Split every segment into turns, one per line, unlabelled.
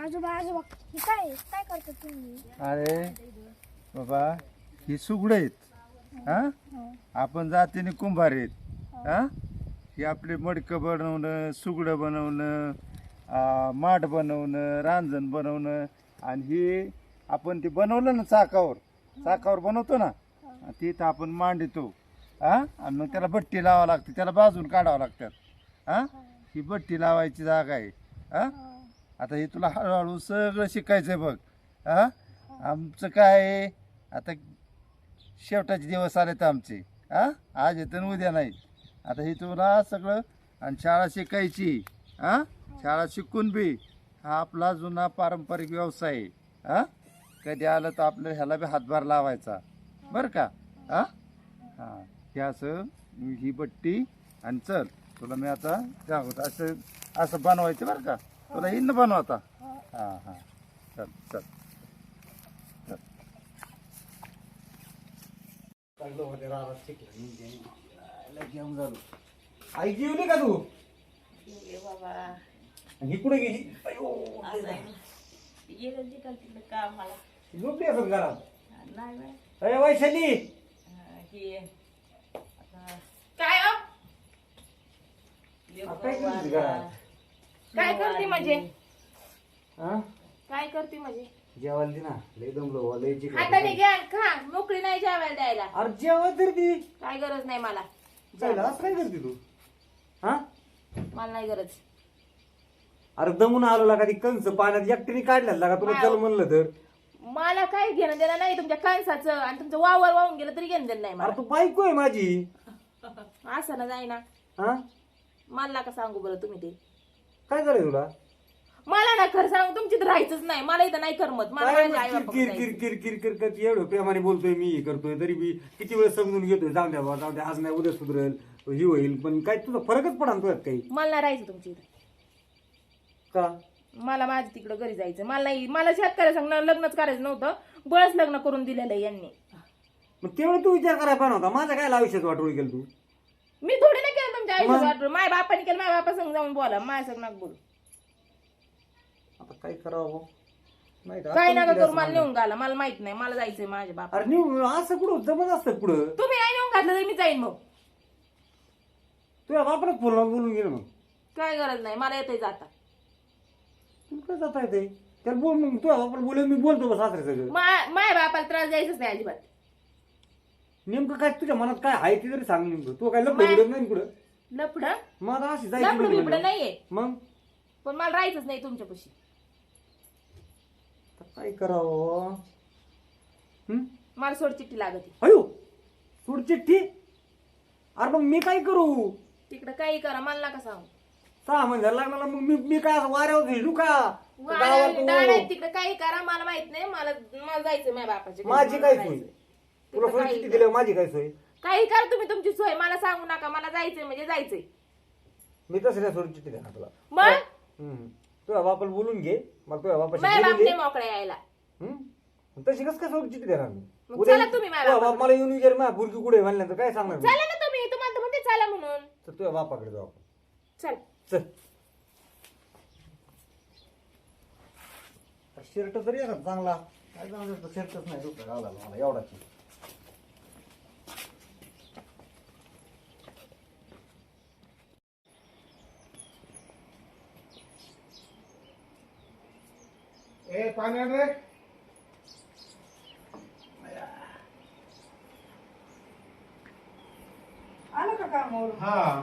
आजोबा आजोबा हे काय काय करता तुम्ही?
अरे बाबा ही सुगड आहेत हा. आपण जातीने कुंभार आहेत हा. ही आपली मडकं बनवणं, सुगडं बनवणं, माठ बनवणं, रांजण बनवणं, आणि ही आपण ती बनवलं ना चाकावर बनवतो ना, तिथं आपण मांडतो हा. आणि मग त्याला बट्टी लावावं लागते, त्याला बाजून काढावं लागतात हा. ही बट्टी लावायची जागा आहे हा. आता हे तुला हळूहळू सगळं शिकायचंय बघ हा. आमचं काय आहे, आता शेवटाचे दिवस आलेत आमचे हा. आज येतं आणि उद्या नाही. आता हे तुला सगळं, आणि शाळा शिकायची हा. शाळा शिकून बी हा आपला जुना पारंपरिक व्यवसाय आहे हा. कधी आलं तर आपलं ह्याला बी हातभार लावायचा बरं का हा. हां हे असं ही बट्टी, आणि चल तुला मी आता दाखवतो असं असं बनवायचं बरं का. तुला हिंद बनवता हां हां. चल चल चल.
घेऊन झालो. आई जेवली का तू?
बाबा
ही कुठे गेली?
गेलं तिकडे कामाला
झोपली असं घरात.
नाही बाई.
अरे वैशाली,
हे आता काय हो?
काय करते घरात?
काय करते म्हणजे?
हा?
काय करते म्हणजे?
जेवायला दे ना, लय दमलो, लय चिकन.
हाताने घ्या खा, मोकळी नाही जेवायला द्यायला.
अरे जेवाय तर ती
काय गरज नाही मला.
जायला असं काय करते तू? हा?
मला नाही गरज.
अरे दमून आलो लागा, ती कंस पाण्यात एकटीने काढल्यात लागा, तुला चल म्हणलं तर.
मला काय घेणं देणं नाही तुमच्या कणसाचं, आणि तुमचं वावर वाहून गेलं तरी घेणं देणं नाही
अरे
मला.
तू बायको आहे माझी.
असं ना जाईना.
हा?
मला का सांगू बरं तुम्ही ते.
काय करायचं तुला?
मला ना खरं सांगू, तुमची तर राहायचंच नाही. मला इथं नाही करमत. मला
काय
माझ्या आई
मग किर किर किर किर किर करत एवढं प्रेमाने बोलतोय, मी करतोय तरी बी किती वेळ समजून घेतोय. जाऊ द्या बाबा, जाऊ द्या, आज नाही उद्या सुधरेल, ही होईल, पण काय तुझा फरकच पडा तुझ्यात काही.
मला नाही राहायचं तुमच्या इथं.
का?
मला माझ्या तिकडं घरी जायचं. मला नाही, मला शेतकऱ्या सांग लग्नच करायचं नव्हतं. बळच लग्न करून दिलेलं आहे यांनी.
मग तेवढं तू विचार करायला पाहिजे होता. माझ्या काय आयुष्यात वाटोळी केलं तू?
मी थोडी नाही केलं तुमच्या आयुष्यात. माझ्या बापाने केलं, माझ्या बापा संग जाऊन बोला, माझ्या संग नका बोलू.
आता काय करावं नाही का?
काय
आता
नका
मी
करू,
असं
मला
म्हणलं.
नेऊन घाला. मला माहित नाही, मला जायचंय माझ्या बापा.
अरे नेऊ असं कुठं जमत असतं कुठं?
तुम्ही नाही नेऊन घातलं तरी मी जाईन. मग
तुझ्या बापालाच फोन लावून बोलून गेलं. मग
काय गरज नाही, मला येतंय जाता.
तुला काय जाता येते? त्याला बोल, मग तुझ्या बापाला बोलून मी बोलतो बस सासरे सगळं.
माझ्या बापाला त्रास द्यायचाच नाही अजिबात.
नेमकं काय तुझ्या मनात काय आहे ते तरी सांग. नेमकं तू काय लपडत नाही कुठं?
लफड
मग आता अशी
लफड
जायची
बिपड नाहीये,
मग
पण मला राहायचंच नाही तुमच्यापाशी.
आता काय करावं?
मला सोड चिठ्ठी लागत.
अयो सोड चिठ्ठी. अरे मग मी काय करू?
तिकडं काही करा, मला नका सांगू.
6 महिने लागणार. मग मी काय असं वाऱ्यावर झेडू का? गावात
तिकडे काही करा, मला माहित नाही. मला जायचंय माझ्या बापाच्या घरी.
माझी
मला
काय
जायचंय.
सोय? तुला
तिकडं
सोय
काही
चिठ्ठी
करा.
दिल्यावर माझी काय सोय?
काही करा तुम्ही तुमची सोय, मला सांगू नका. मला जायचंय म्हणजे जायचंय.
मी तसं नाही सोड चिठ्ठी देणार तुला.
मग
तुझ्या बापाला बोलून घे, मग तुझ्या
माझ्या
बापाशी
बाप
बोलून
नाही
घे.
मोकळ्या यायला.
तशी कसं काय सोड चिठ्ठी देणार मी?
मग
उद्या
चला तुम्ही माझ्या
तुझ्या
बापाकडे.
बाप मला येऊन विचार माझ्या बुरकी कुठे म्हणल्यानंतर काय सांगणार मी?
चला ना तुम्ही, तुम्हाला तर म्हणते चला म्हणून.
तर तुझ्या बापाकडे जाऊ आपण.
चल.
चल. शर्ट तरी आहे का चांगला? काय चांगला शर्टच नाही दुसरा घालायला मला एवढाच.
ए पाणी आण रे.
आलं का कामावर?
हा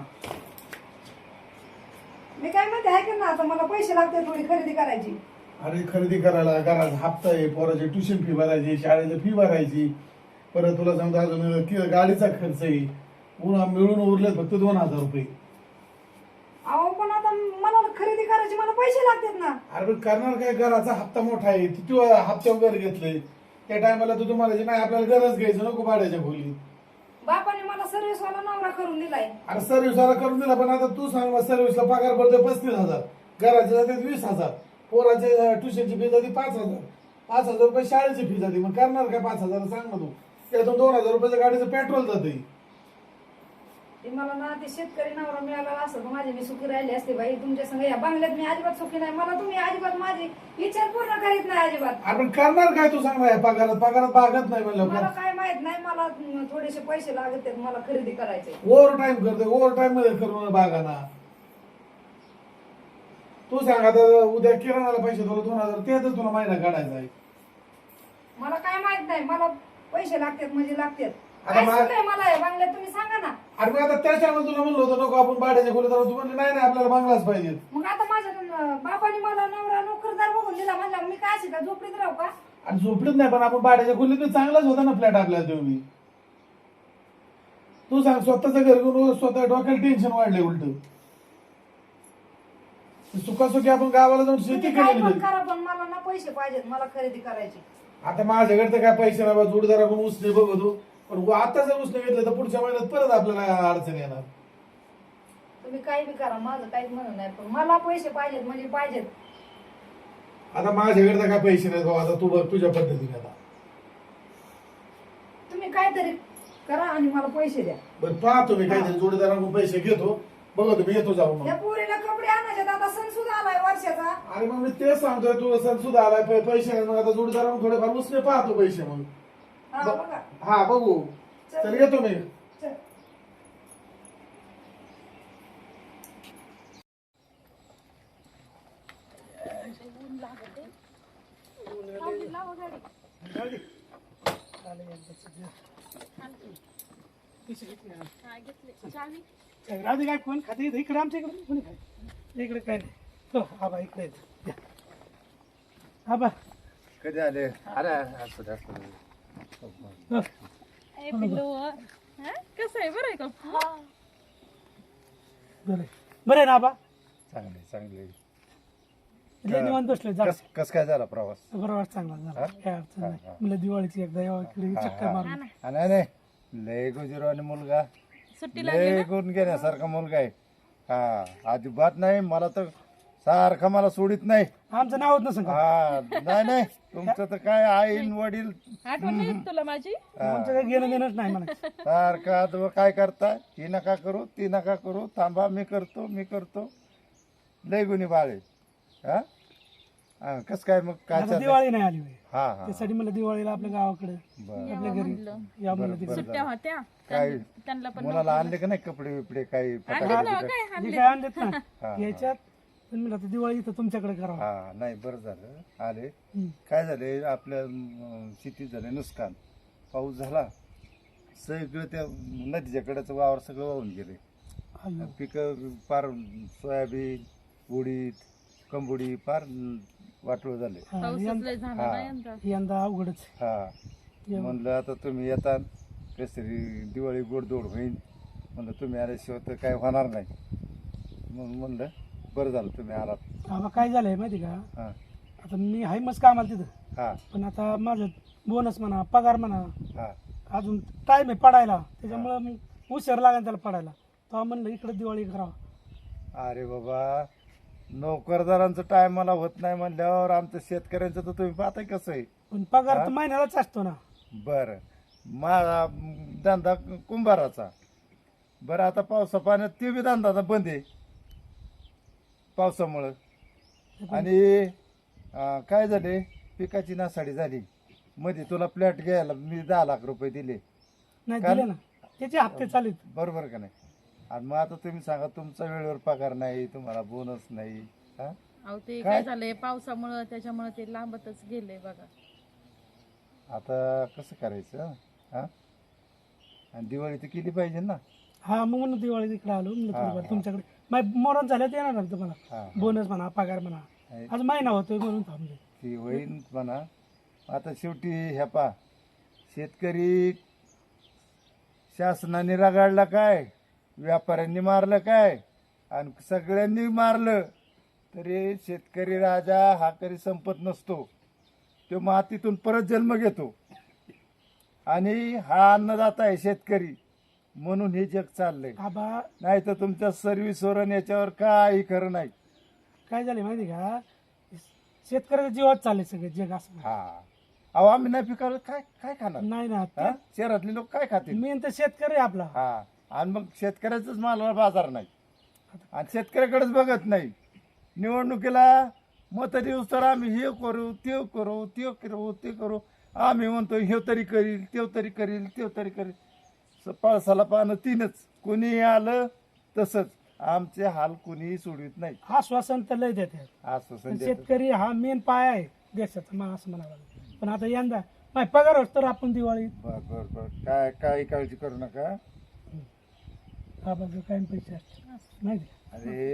मी काय म्हणते आहे ना, आता मला पैसे लागते थोडी खरेदी करायची.
अरे खरेदी करायला घरात हप्ता आहे, पोराची ट्युशन फी भरायची, शाळेची फी भरायची, परत तुला सांगतो अजून गाडीचा खर्च आहे. पुन्हा मिळून उरले फक्त 2000 रुपये.
अहो पण आता मला खरेदी करायची, मला पैसे लागतात ना.
अरे पण करणार काय? घराचा हप्ता मोठा आहे, तू हप्त्यावर घर घेतलंय त्या टायमाला तू तुम्हाला जे नाही आपल्याला गरज घ्यायचं नको भाड्याच्या खोली.
बापाने मला सर्व्हिसवाला नवरा करून दिलाय.
अरे सर्व्हिसला करून दिला, पण आता तू सांग सर्व्हिसला पगार पडतोय 35,000, घराचे जाते 20,000, पोराचे ट्युशनची फी जाते 5,000, 5,000 रुपये शाळेची फी जाते. मग करणार काय 5,000? सांग ना तू. त्यातून 2,000 रुपयाचं गाडीचं पेट्रोल जाते.
ते मला ना ते शेतकरी नवरा मिळाला असं तर माझी मी सुखी राहिली असते बाई तुमच्या संग या बांगल्यात मी अजिबात सुखी नाही मला तुम्ही अजिबात माझी इच्छा पूर्ण करीत नाही अजिबात
आपण करणार काय तू सांग ना, या पगारात भागत नाही म्हणलं
मला काय माहित नाही मला थोडेसे पैसे लागत आहेत मला खरेदी करायचे
ओव्हर टाइम करते ओव्हर टाइम मध्ये करून बागाना. तू सांग आता उद्या किराणाला पैसे तुला 2000 ते तर तुला महिना काढायचा आहे.
मला काय माहित नाही मला पैसे लागतात म्हणजे लागतात
आता
काय
मा-
सुचलंय मला हे बांगल्यात तुम्ही सांगा ना
अरे मग आता त्याच्यामुळे तुला म्हणलं होतं नको आपण भाड्याच्या खोलीत राहू. तू म्हणली नाही नाही आपल्याला बंगलाच पाहिजे.
मग आता माझ्या बापाने मला नवरा नोकरदार बघून दिला म्हणला मी काय अशी का झोपडीत राहू का
आणि झोपडीत नाही पण आपण भाड्याच्या खोलीत तर चांगलाच होता ना फ्लॅट आपल्याला तुम्ही. तू सांग स्वतःचं घर घेऊन स्वतः डोक्याला टेन्शन वाढले उलट. सुखासुखी आपण गावाला जाऊन शेती
तुम्ही काय पण
केलेली.
करा पण मला ना पैसे पाहिजेत मला खरेदी करायची
आता माझ्याकडे तर काय पैसे नाही बा, जोडदाराकडून उसने बघतो पण आता जर उसने घेतलं तर पुढच्या महिन्यात परत आपल्याला अडचण येणार.
तुम्ही काही बी करा माझं काहीच म्हणून नाही पण मला पैसे पाहिजेत म्हणजे पाहिजेत
आता माझ्याकडे तर काय पैसे नाही भाऊ. आता तू बघ तुझ्या पद्धतीने आता.
तुम्ही काहीतरी करा आणि मला पैसे द्या
बरं पाहतो मी काहीतरी जोडीदाराकडून पैसे घेतो बघतो मी येतो जाऊन
या
मग.
पोरीला कपडे आणायचे आता सण सुद्धा आलाय वर्षाचा
अरे मग मी तेच सांगतोय तू सण सुद्धा आलाय पैसे नाही मग आता जोडीदाराकडून थोडेफार उसने पाहतो पैसे मग.
हा बघा
हा बघू चल येतो मी.
चल.
राहू काय कोण खाते इकडे आमच्या इकडे कोणी खाय इकडे काय नाही हो आबा इकडे या. आबा
कधी आले अरे असं दे, असं दे.
हो.
कसं आहे बरं आहे का
बरं आहे ना आबा
चांगले चांगले.
लय निवांत बसलोय जा
कस काय झाला प्रवास?
बरोबर चांगला झाला काय अडचण नाही मला दिवाळीची एकदा यावं इकडे चक्कर मारून
नाही नाही लय गुजरो आणि मुलगा लय गुण घेण्यासारखा मुलगा आहे. हा अजिबात नाही मला तर सारखा मला सोडित नाही.
आमचं नाव होत नसं का
हा नाही नाही तुमचं तर काय आईन वडील
आठवण नाही तुला माझी
आमचं काही घेणं देणंच नाही मला
सारखा तो काय करता ही नका करू ती नका करू थांबा मी करतो लय गुणी बाळे. हा कस काय मग काय
आता
चाललंय?
दिवाळी नाही आली होय.
हा हा
त्यासाठी मला दिवाळीला आपल्या गावाकडे
बरं
आपल्या घरी या म्हणलं तिकडे.
सुट्ट्या होत्या
काय
त्यांना पण
मुलाला आणले का नाही कपडे बिपडे काही फटाके
आणलेत ना,
बिटाके?
काय
जे काय आणलेत ना
हा.
याच्यात पण मला आता दिवाळी इथं तुमच्याकडे करावं
हा नाही बरं झालं आले.
हम्म.
काय झाले आपल्या शेतीत झाले नुकसान. पाऊस झाला सगळं त्या नदीच्या कडेचं वावर सगळं वाहून गेले.
अय्यो.
पिकं पार सोयाबीन उडीद कंबुडी पार वाटोळ झाले.
हा,
पाऊसच लय झाला
हा.
ना यंदा
यंदा अवघडच
हा
एवढं.
म्हणलं आता तुम्ही येता कसरी दिवाळी गोडधोड होईल म्हणलं तुम्ही आल्याशिवाय तर काय होणार नाही म्हणून म्हणलं बरं झालं तुम्ही आलात.
आबा काय झालंय माहिती का
हा
आता मी आहे मस्त कामाला तिथं
हा
पण आता माझं बोनस म्हणा पगार म्हणा
हा
अजून टाइम आहे पडायला त्याच्यामुळं मग उशीर लागेल त्याला पडायला तेव्हा म्हणलं इकडे दिवाळी करावं.
अरे बाबा नोकरदारांचं टायमाला होत नाही म्हणल्यावर आमचं शेतकऱ्यांचं तर तुम्ही पाहताय कसं आहे.
पण पगार तर महिन्यालाच असतो ना.
बरं माझा धंदा कुंभाराचा. बरं आता पावसा पाण्यात ते बी धंदा आता बंद आहे पावसामुळं. आणि काय झाले पिकाची नासाडी झाली मध्ये तुला प्लॅट घ्यायला मी 10 लाख रुपये दिले
नाही
कारण-
दिले ना त्याचे हप्ते चालेल.
बरोबर का नाही. आणि मग आता तुम्ही सांगा तुमचा वेळेवर पगार नाही तुम्हाला बोनस नाही. हा
अहो ते
काय?
काय झालंय पावसामुळं त्याच्यामुळे ते लांबतच गेलंय बघा.
आता कसं करायचं हा आणि दिवाळी तर केली पाहिजे ना.
हा मग म्हणून दिवाळी इकडे आलो म्हणलं
हा,
थोडंफार
हा.
तुमच्याकडे माझ्या मोरण झाल्यात येणार ना तुम्हाला
हा
बोनस म्हणा पगार म्हणा
नाही,
आज महिना होतोय म्हणून थांबले.
ती होईन म्हणा. आता शेवटी ह्या पा शेतकरी शासनाने रगाडला काय व्यापाऱ्यांनी मारलं काय आणि सगळ्यांनी मारलं तरी शेतकरी राजा हा कधी संपत नसतो. तो मातीतून परत जन्म घेतो आणि हा अन्नदाता आहे शेतकरी म्हणून हे जग चाललंय.
आबा
नाही तर तुमच्या सर्व्हिसवर आणि याच्यावर काही खरं नाही.
काय झाले माहिती का शेतकऱ्याच्या जीवात चालले सगळे जग असं.
हा अहो आम्ही नाही पिकावर काय काय खाणार.
नाही ना
हा? शहरातले लोक काय खातील.
मेन तर शेतकरी आहे आपला.
हा आणि मग शेतकऱ्याचाच मालाला बाजार नाही आणि शेतकऱ्याकडेच बघत नाही. निवडणुकीला मत दिवस तर आम्ही हे करू ते करू ते करू ते करू आम्ही म्हणतो हे तरी करील ते तरी करील ते तरी करील. पळसाला पानं तीनच, कोणी आलं तसंच. आमचे हाल कोणीही सोडवित नाही.
आश्वासन तर लय देतात.
आश्वासन देतात.
शेतकरी हा मेन पाय आहे देशाचा, मला असं म्हणावं लागेल. पण आता यंदा नाही पगार होत तर आपण दिवाळी
बर बर बर काय काही काळजी करू नका.
हा बघ काय पैसे असतात नाही का?
अरे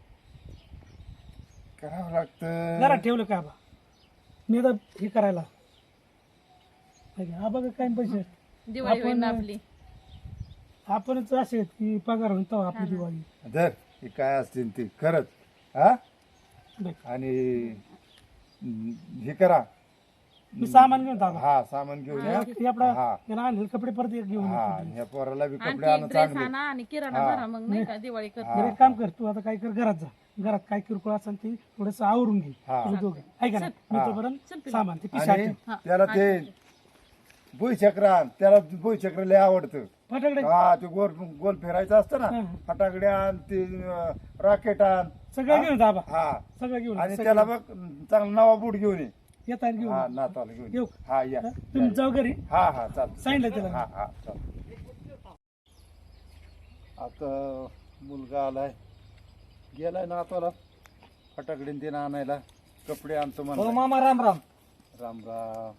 करावं लागतं.
घरात ठेवलं का बा मी आता हे करायला नाही का? हा बघा काय पैसे असतात.
दिवाळी होईल ना आपली.
आपणच असे आहेत की पगार होईल तेव्हा आपली दिवाळी.
धर हे काय असतील ते खरंच. हा
बघ,
आणि हे करा.
मी सामान घेऊन जातो.
हा सामान घेऊन या.
ते आपला
हा
त्याला आणलेले कपडे परत एक घेऊन
हा
येतो.
ह्या पोराला बी कपडे आणून चांगले.
आणि किराणा भरा मग नाही का दिवाळी कर.
बरं एक काम कर तू आता काय कर घरात जा. घरात काय किरकोळ असेल ते थोडस आवरून घे.
हा.
तुम्ही दोघं ऐका ना मी तोपर्यंत सामान ते पिशा
आणि त्याला ते भुईचक्र त्याला भुईचक्र लय आवडतं.
फटाकडे
हा ते गोल गोल फिरायचं असतं ना. फटाकडे आण ते रॉकेट आण
सगळं घेऊन जा बा.
हा
सगळं घेऊन
आणि त्याला बघ चांगला नवा बूट घेऊन ये.
येता घेऊन
हा नाताला घेऊन
येऊ.
ये. हा या
तुम्ही जाऊ घरी
हा हा चालतं.
सांगितलं त्याला.
हा हा चाल. आता मुलगा आलाय गेलाय ना आता फटाकडे ते आणायला कपडे आणतो म्हणून.
मामा राम राम.
राम राम.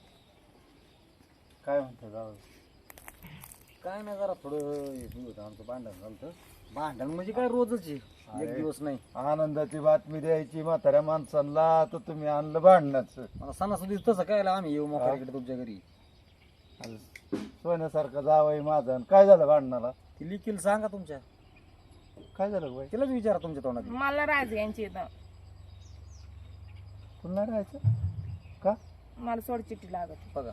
काय म्हणतो जाऊ.
काय नाही जरा थोडं हे होतं आमचं भांडण झालं. भांडण म्हणजे काय रोजच आहे, एक दिवस नाही.
आनंदाची बातमी द्यायची म्हाताऱ्या माणसांना तर तुम्ही आणलं भांडणाचं.
मला सणासुदी तसं काय आम्ही येऊ मोकळीकडे तुमच्या घरी.
सोन्यासारखं जावंय माझं आणि काय झालं भांडणाला.
ती लिखील सांगा तुमच्या,
काय झालं बाई.
तिलाच विचारा तुमच्या तोंडात.
मला राहायचं यांची इथं.
पुन्हा राहायचं का.
मला सोड चिठ्ठी लागत.
बघा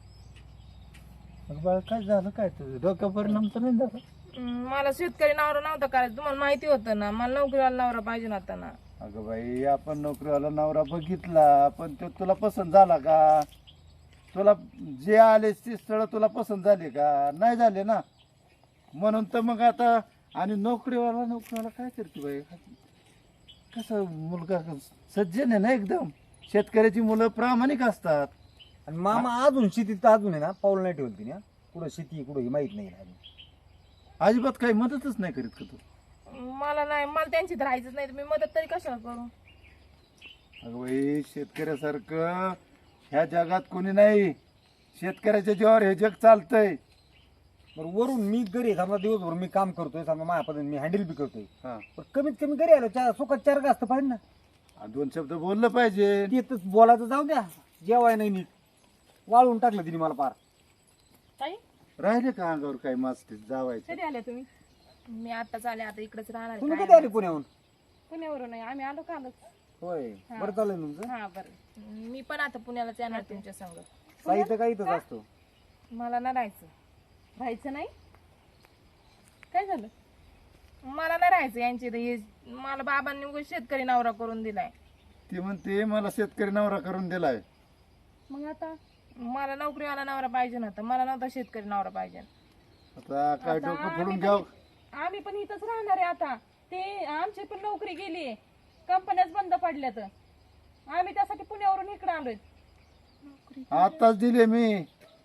मग बाळ काय झालं काय तुझं डोक्या परिणाम तर नाही झाला.
मला शेतकरी नवरा नव्हता करायचं. तुम्हाला माहिती होतं ना मला नोकरीवाला नवरा पाहिजे नव्हता ना.
अगं बाई आपण नोकरीवाला नवरा बघितला पण तो तुला पसंत झाला का. तुला जे आले ते स्थळ तुला पसंत झाले का नाही झाले ना. म्हणून तर मग आता आणि नोकरीवाला काय करते बाई. कसं मुलगा सज्जन आहे ना एकदम. शेतकऱ्याची मुलं प्रामाणिक असतात.
आणि मामा अजून शेतीत अजून आहे ना पाऊल नाही ठेवलं तिने. कुठं शेती कुठं हे माहित नाही अजून.
अजिबात काही मदतच नाही करीत का तू.
मला नाही मला त्यांची राहायचंच नाही. मी मदत तरी कशाला करू.
अगं बाई शेतकऱ्यासारखं ह्या जगात कोणी नाही. शेतकऱ्याच्या जीवावर हे जग चालतंय.
बरं वरून मी घरी आहे, समजा दिवसभर मी काम करतोय, समजा माझ्या पद्धतीने मी हँडल बी करतोय.
हा
पण कमीत कमी घरी आलो सुखात चार घास तर पाहिजे ना.
आणि दोन शब्द बोललं पाहिजे.
ते तर बोलायचं जाऊ द्या, जेवाय नाही नीट वाळून टाकलं तिने मला पार.
ताई
राहिले का अंगावर काही मास्ती जावायचं.
कधी आल्या तुम्ही. मी आताच आले. आता इकडेच राहणार
तुम्ही
आहे.
कधी आले पुण्याहून.
पुण्यावरून नाही आम्ही आलो कालच.
होय बरं चालेल तुमचं.
हा बरं मी पण आता पुण्यालाच येणार तुमच्या संग.
साहित्य काही इथंच असतो.
मला ना राहायचं नाही. काय झालं. मला नाही राहायचं यांची इथं. हे मला बाबांनी उगाच शेतकरी नवरा करून दिलाय.
ती म्हणते मला शेतकरी नवरा करून दिलाय.
मग आता मला नोकरीवाला नवरा पाहिजे नव्हता. मला नव्हता शेतकरी नवरा पाहिजे.
आता काय डोकं फोडून घ्याव.
आम्ही पण इथंच राहणार आहे आता. ते आमची पण नोकरी गेली. कंपन्याच बंद पडल्या तर आम्ही त्यासाठी पुण्यावरून इकडे आलोय.
आताच दिले मी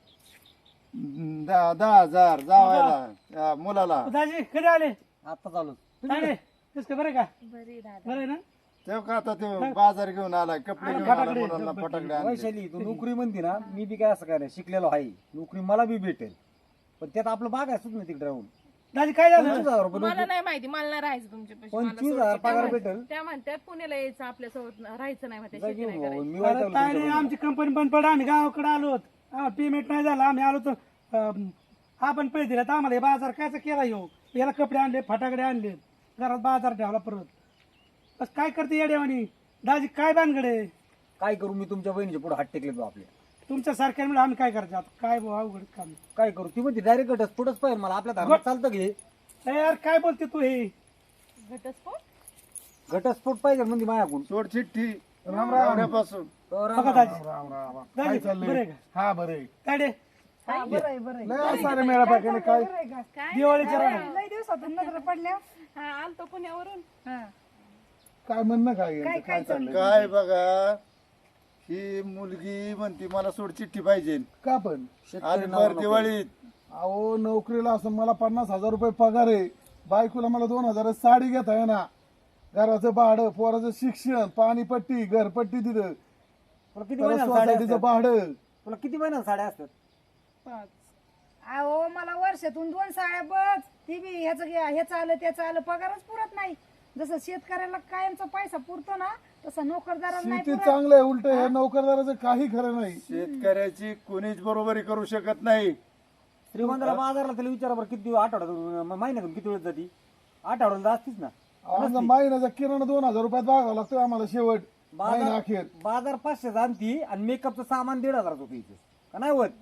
10,000 जावायला मुलाला.
दाजी कधी आले.
आता चालू
काय रे तेच का बरं का
बरी दादा.
बरं आहे ना.
तेव्हा का आता ते बाजार घेऊन आलाय कपडे घेऊन आला मुलांना फटाकडे आणले.
वैशाली तू नोकरी म्हणते ना, मी बी काय असं काय नाही शिकलेलो आहे. नोकरी मला बी भेटेल पण त्यात आपलं बाग असत ना तिकडे राहून.
दाजी काय झालं.
25,000 रुपये
मला नाही माहिती. मला नाही राहायचं तुमच्यापाशी.
25,000 पगार भेटेल.
त्या म्हणतात पुण्याला यायचं आपल्यासोबत राहायचं नाही म्हणतात.
जा घेऊन भाऊ, मी
अरे
वैतागलो
काय नाही
तुमच्याकडे.
आमची कंपनी बंद पडली. आम्ही गावाकडे आलो पेमेंट नाही झालं. आम्ही आलो तर आपण पैसे दिले तर आम्हाला हे बाजार कायचा केला येऊ. याला कपडे आणले फटाकडे आणले घरात बाजार ठेवला परत. बस काय करते येड्यावानी. दाजी काय भानगडे.
काय करू मी तुमच्या बहिणीच्या पुढे हात टेकले तो आपल्या.
तुमच्या सारख्या म्हणजे आम्ही काय करायचं आता. काय भाऊ अवघड काम.
काय करू ती म्हणते डायरेक्ट घटच पुढंच पाहिजे मला. आपल्या धर्मात चालतं घे
ए यार काय बोलते तू हे.
घटस्फोट.
घटस्फोट पाहिजे म्हणजे माझ्याकडून.
सोड चिठ्ठी नवऱ्यापासून.
बघा दाजी दाजी बरं आहे का.
हा बरं आहे.
काय रे
हा, बरं आहे बरं आहे.
लय सारे मेळा पाहिजे काय
बरं आहे का?
काय
दिवाळीच्या राहणार
लय दिवसातून नजर पडल्या
हा आलतो पुण्यावरून.
हा.
काय म्हणणं काय यांचं?
काय
काय चाललंय
काय बघा ही मुलगी म्हणती मला सोड चिठ्ठी पाहिजे
का पण
आणि भर दिवाळीत
अहो नोकरीला असं मला 50,000 रुपये पगार आहे, बायकोला मला 2,000 साडी घेता आहे ना, घराचं भाडं, पोराचं शिक्षण, पाणीपट्टी, घरपट्टी तिथं,
तुला किती
परत
महिन्यात साड्या
सोसायटीचं
असतात?
भाडं.
तुला किती महिन्यात साड्या असतात?
5.
अहो मला वर्षातून 2 साड्या बस ती बी ह्याचं आलं त्याचं आलं पगारच पुरत नाही. जसं शेतकऱ्याला कायमचा पैसा पुरतो ना तसं नोकरदाराला नाही
शेती
पुरत.
चांगलं आहे, उलट हे नोकरदाराचं काही खरं नाही.
शेतकऱ्याची कोणीच बरोबरी करू शकत नाही.
श्रीमंताला बाजारला त्याला विचारा बरं किती आठवड्यातून महिन्यातून किती वेळ जाती? आठवड्याला असतीच ना.
आमचा महिन्याचा किराणा 2,000 रुपयात भागावं लागतो आम्हाला शेवट महिना अखेर.
बाजार 500 आणती आणि मेकअपचं सामान 1,500 होतं इथे का नाही होत?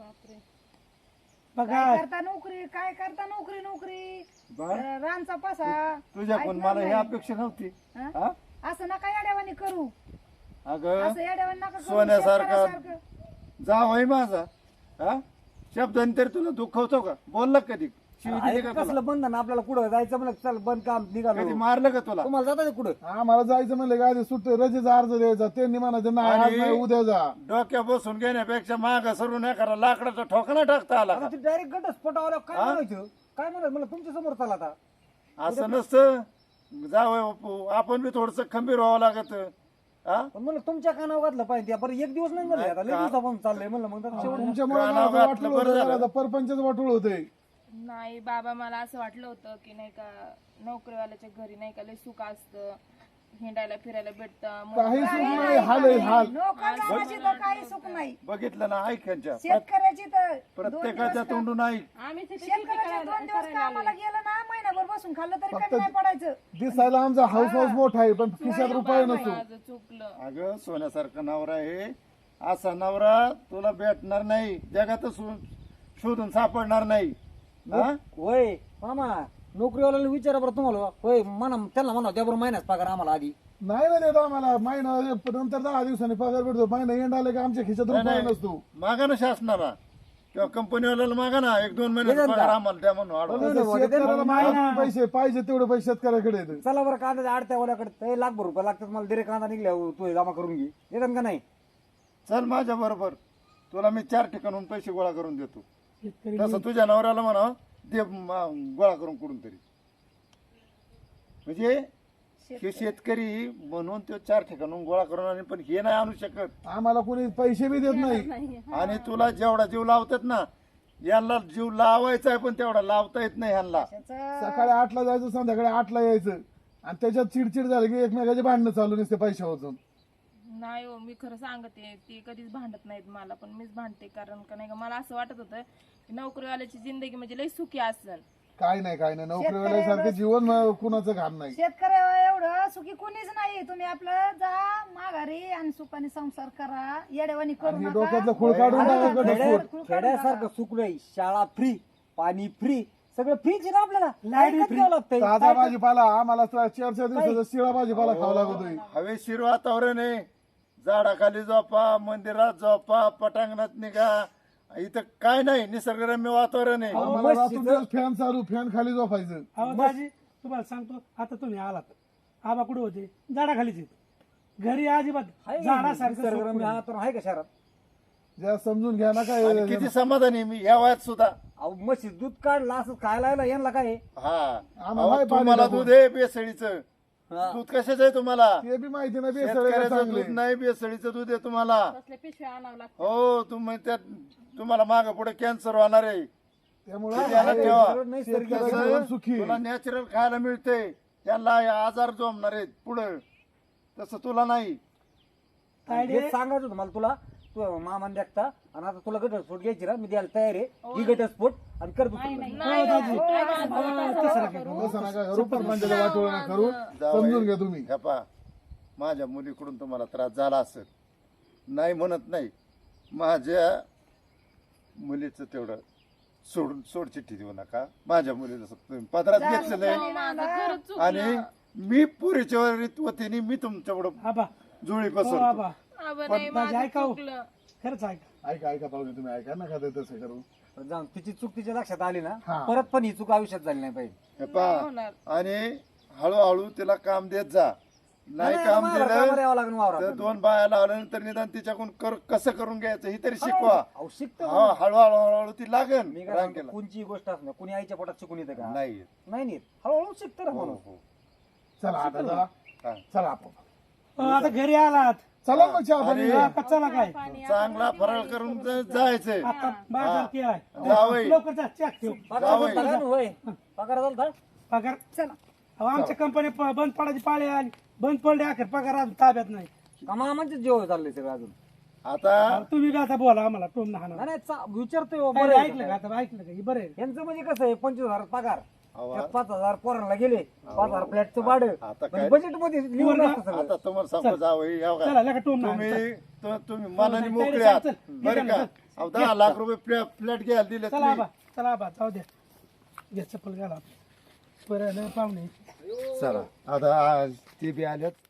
बघा
काय करता नोकरी काय करता नोकरी नोकरी रानचा पासा
तुझ्याकडून मला ही अपेक्षा नव्हती.
हा?
हा?
असं नका येड्यावानी करू
अगं
असं येड्यावानी नका करू
सोन्यासारखा
शेतकऱ्यासारखं.
जावई माझा हा शब्दांनी तरी तुला दुखवतो का? बोलला कधी? शिवी दिली का तुला?
कसलं बंधन आपल्याला कुठं जायचं म्हणलं चल बंद काम
कधी
निघालो.
मारलं का तुला?
तुम्हाला जाता कुठं?
आम्हाला जायचं म्हणलं का आधी सुट्टी रजेचा अर्ज द्यायचा, त्यांनी म्हणायचं नाही आज
आणि-
नाही उद्या जा.
डोक्या बसून घेण्यापेक्षा माग सरून नाही करा, लाकडाचा ठोकाना टाकता आला का?
आता ते डायरेक्ट गटच पटावलं काय म्हणायचं? काय म्हणायचं मला तुमच्या समोर चला आता.
असं नसतं. जावई बापू आपण बी थोडस खंबीर व्हावं लागत. हा
पण म्हणलं तुमच्या कानावर घातलं पाहिजे बरं एक दिवस नाही म्हणलं आता लय दिवसापासून चाललंय म्हणलं मग आता शेवट
तुमच्यामुळे
कानावर
मला
घातलं,
वाटलं
बरं झालं.
होतं परपंचच वाटूळ होते.
नाही बाबा मला असं वाटलं होतं की नाही का नोकरीवाल्याच्या घरी नाही का लय सुख असतं, हिंडायला फिरायला भेटतं.
काही सुख नाही, हाल आहे हाल.
नोकरदाराची तर काही सुख नाही
बघितलं ना ऐकायच्या
शेतकऱ्याची तर
प्रत्येकाच्या तोंडून ऐक.
आम्ही तिथे
शेतकऱ्याचे 2 दिवस कामाला गेलं ना महिनाभर बसून खाल्लं तरी कमी नाही पडायचं.
दिसायला आमचा हाऊस हाऊस मोठा आहे पण खिशात रुपये नसतो.
माझं चुकलं.
अगं सोन्यासारखा नवरा आहे, असा नवरा तुला भेटणार नाही, जगातच शोधून सापडणार नाही. हा?
होय मामा नोकरीवाल्याला विचारा बरं तुम्हाला होय म्हणा त्यांना म्हणा त्या बरोबर महिन्यात पगार आम्हाला आधी.
नाही ना देत आम्हाला महिना नंतर 10 दिवसांनी पगार भेटतो. महिना एंड आले का आमच्या खिशात रुपये नसतो.
मागा ना शासनाला किंवा कंपनीवाल्याला मागा ना 1-2 महिन्याचा पगार आम्हाला द्या म्हणून अडवा.
तसं शेतकऱ्याला माहिती पैसे पाहिजे तेवढे पैसे शेतकऱ्याकडे येतात.
चला बरं कांद्याच्या आडत्या वाल्याकडे लाखभर रुपये लागतात मला दिरे कांदा निघल्या तू जमा करून घे येतात का नाही?
चल माझ्या बरोबर, तुला मी 4 ठिकाणून पैसे गोळा करून देतो.
शेतकरी
तसं तुझ्या नवऱ्याला म्हणा दे गोळा करून कुठून तरी. म्हणजे हे शेतकरी म्हणून तो 4 ठिकाणून गोळा करून आणि पण हे नाही आणू शकत.
आम्हाला कोणी पैसे बी देत नाही.
आणि तुला जेवढा जीव लावतात ना यांना जीव लावायचा आहे पण तेवढा लावता येत नाही यांना.
सकाळी 8ला जायचं संध्याकाळी 8ला यायचं आणि त्याच्यात चिडचिड झाली की एकमेकाचे भांडणं चालू नसते पैशावरून.
नाही हो मी खरं सांगते ते कधीच भांडत नाहीत मला, पण मीच भांडते. कारण का नाही का मला असं वाटत होतं की नोकरीवाल्याची जिंदगी म्हणजे लय सुखी असेल.
काय नाही नोकरीवाल्यासारखं जीवन कुणाचं घाण नाही.
शेतकऱ्या एवढं सुखी कोणीच नाही. तुम्ही आपलं जा माघारी आणि सुखाने संसार करा, येड्यावानी करू
आणि
नका.
डोक्यातलं खूळ काढून टाका घटस्फोट.
खेड्यासारखं सुकलंय, शाळा फ्री, पाणी फ्री, सगळं फ्रीच आहे ना आपल्याला. लाईट द्यावं लागतंय.
ताजा भाजीपाला आम्हाला 4-4 दिवसाचा शिळा भाजीपाला खावा लागतोय.
हवेशीर वातावरण आहे, झाडाखाली झोपा, मंदिरात झोपा, पटांगणात निघा, इथं काय नाही, निसर्गरम्य वातावरण आहे.
आम्हाला रात्री दिवस फॅन चालू, फॅन खाली झोपायचं.
अहो दाजी तुम्हाला सांगतो आता तुम्ही आलात आबा कुठे होते झाडाखालीच आहेत. घरी अजिबात
आहे
झाडासारखं
निसर्गरम्य
सुकून.
वातावरण आहे का शहरात?
ज्या समजून घ्या ना काय.
आणि किती समाधानी मी या वयात सुद्धा.
अहो म्हशी दूध काढलं असं खायला यायला यांना काय आहे?
हा
आम्हाला
अहो,
पाणी
तुम्हाला
नको.
दूध आहे बेसळीचं.
हा.
दूध कशाचं आहे तुम्हाला?
ते बी माहिती नाही बेसळ
शेतकऱ्याचं
चांगले.
दूध नाही, बेसळीचं दूध आहे तुम्हाला.
कसल्या पिशव्या आणावं लागतं.
हो तुम्हाला माग पुढे कॅन्सर होणार आहे.
त्यामुळे
ध्यानात ठेवा.
नैसर्गिक
शेतकऱ्याचं जीवन सुखी.
तुला नॅचरल खायला मिळते, त्यांना आजार जमणार आहेत पुढं, तसं तुला नाही.
हेच सांगायचं होतं मला तुला. तू मामान देखता आणि आता तुला घटस्फोट घ्यायची ना, मी द्यायला तयार आहे. ही घटस्फोट आणि कर तू
नाही
तसं नका करू, परपंचाचं वाटोळं नका करू. समजून घ्या तुम्ही.
हे पहा, माझ्या मुलीकडून तुम्हाला त्रास झाला असेल, नाही म्हणत नाही. माझ्या मुलीचं तेवढं सोड चिठ्ठी देऊ नका. माझ्या मुलीला तुम्ही पदरात घेतलेलं आहे
माझं खरंच चुकलं.
आणि मी पुरीच्या वतीने मी तुमच्याकडं
आबा
जुळी
हो
पसरतो.
आबा
अबे नाही,
दाजी
माझं
ऐका हो.
चुकलं.
खरंच ऐका.
ऐका पाहुणे तुम्ही ऐका नका ते तसं करू.
जाऊन तिची चूक तिच्या लक्षात आली ना
हा.
परत पण ही चूक आयुष्यात झाली नाही पाहिजे.
हे पहा
होणार.
आणि हळूहळू तिला काम देत जा. नाही काम
कामाला
दिलं
यावं लागेल
तर
वावरात.
2 बाया लावल्यानंतर निदान तिच्याकडून कसं करून घ्यायचं ही तरी शिकवा.
अहो, शिकतो
हा हळूहळू हळूहळू ती लागन
मी काय सांगतो,
रांगेला.
कोणची गोष्ट असणार कुणी आईच्या पोटात शिकून येतं का?
नाही
नाही नेत. हळूहळू शिकतं ना
हो,
माणूस.
हो.
चला आता जरा
हा.
चला आपण
आता घरी आलात
चला मग चहा पाणी
अरे.
घ्या.
का चला काय
चांगला फराळ करून जायचंय.
आता बाजार केलाय
जावई.
लवकर जा चॅक ठेव
पगार
जावई.
झाला का होय? पगार झाला
पगार
चला
अहो, आमच्या कंपनी बंद पडायची पाळी आली बंद पडले अखेर पगार अजून ताब्यात नाही
का मामांचे जेव चाललंय सगळं अजून?
आता
तुम्ही बी आता बोला आम्हाला टोम ना
नाही नाही, विचारतोय हो,
बरं
बरं आहे
ऐकलं का
का?
आता ऐकलं का हे बरं आहे
यांचं म्हणजे कसं आहे 25,000 पगार
अहो,
त्यात 5,000 पोरांना गेले 5,000 फ्लॅटचं भाडं
आता काय?
बजेट मध्ये लिहून असतं सगळं.
आता तुम्हाला सांगतो जावई या
चला
बघा.
लेका टोम ना
तुम्ही मनाने
चल,
मोकळे
चल,
आहात
चल,
बरं
चल,
का?
चल.
अहो, 10 लाख रुपये फ्लॅट घ्यायला दिले
चला आबा चला आबा जाऊ द्या घ्या चप्पल घाला बरं नाही पाहुणे
चला आता ते बी आल्यात